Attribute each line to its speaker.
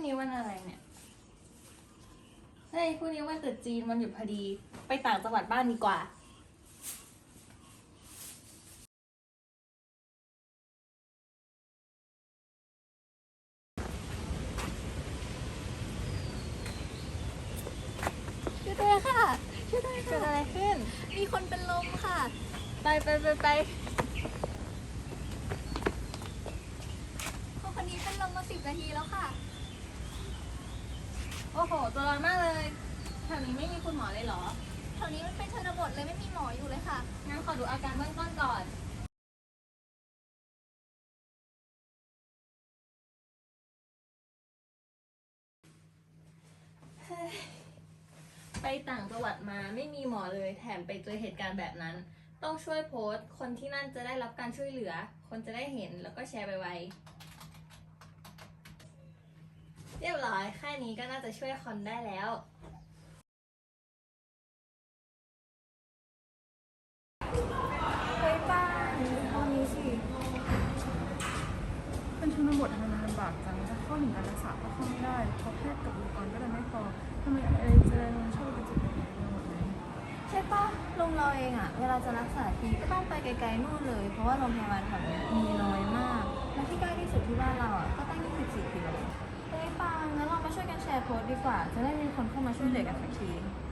Speaker 1: นี้วันอะไรเนี่ยเฮ้ยพรุ่งนี้วันตรุษจีนวันหยุดพอดีไปต่างจังหวัดบ้านดีกว่า
Speaker 2: ช่วยด้วยค่ะช่วยด้วย
Speaker 1: เกิด
Speaker 2: ค่ะ
Speaker 1: อะไรขึ้น
Speaker 2: มีคนเป็นลมค่ะ
Speaker 1: ไป
Speaker 2: คนนี้เป็นลมมา10 นาทีแล้วค่ะ
Speaker 1: โอ้โหตัวร้อนมากเลยแถวนี้ไม่มีคุณหมอเลยเหรอ
Speaker 2: แถวนี้มันเป็นชนบทเลยไม่มีหมออยู่เลยค่ะ
Speaker 1: งั้นขอดูอาการเบื้องต้นก่อนเฮ้ยไปต่างจังหวัดมาไม่มีหมอเลยแถมไปเจอเหตุการณ์แบบนั้น ต้องช่วยโพสต์คนที่นั่นจะได้รับการช่วยเหลือ คนจะได้เห็นแล้วก็แชร์ไปไวๆเรียบร้อยแค่นี้ก็น่าจะช่วยคนได้แล้ว
Speaker 2: เฮ้ยป้าตอนนี้สิ
Speaker 3: เป็นชนบททำไมมันลำบากจังจะเข้าถึงการรักษาก็เข้าไม่ได้เพราะแพทย์กับอุปกรณ์ก็ยังไม่พอทำไมอะไรเจริญมันชอบไปจุดไหนไปหมดเลย
Speaker 2: ใช่ป้าโรงเราเองอะเวลาจะรักษาทีก็ต้องไปไกลๆนู่นเลย เพราะว่าโรงพยาบาลแถวนี้มีน้อยมาก และที่ใกล้ที่สุดที่บ้านเราอะก็ตั้ง24 กิโลเฮ้ยป้างั้นเรามาช่วยกันแชร์โพสต์ดีกว่า จะได้มีคนเข้ามาช่วยเหลือกันสักที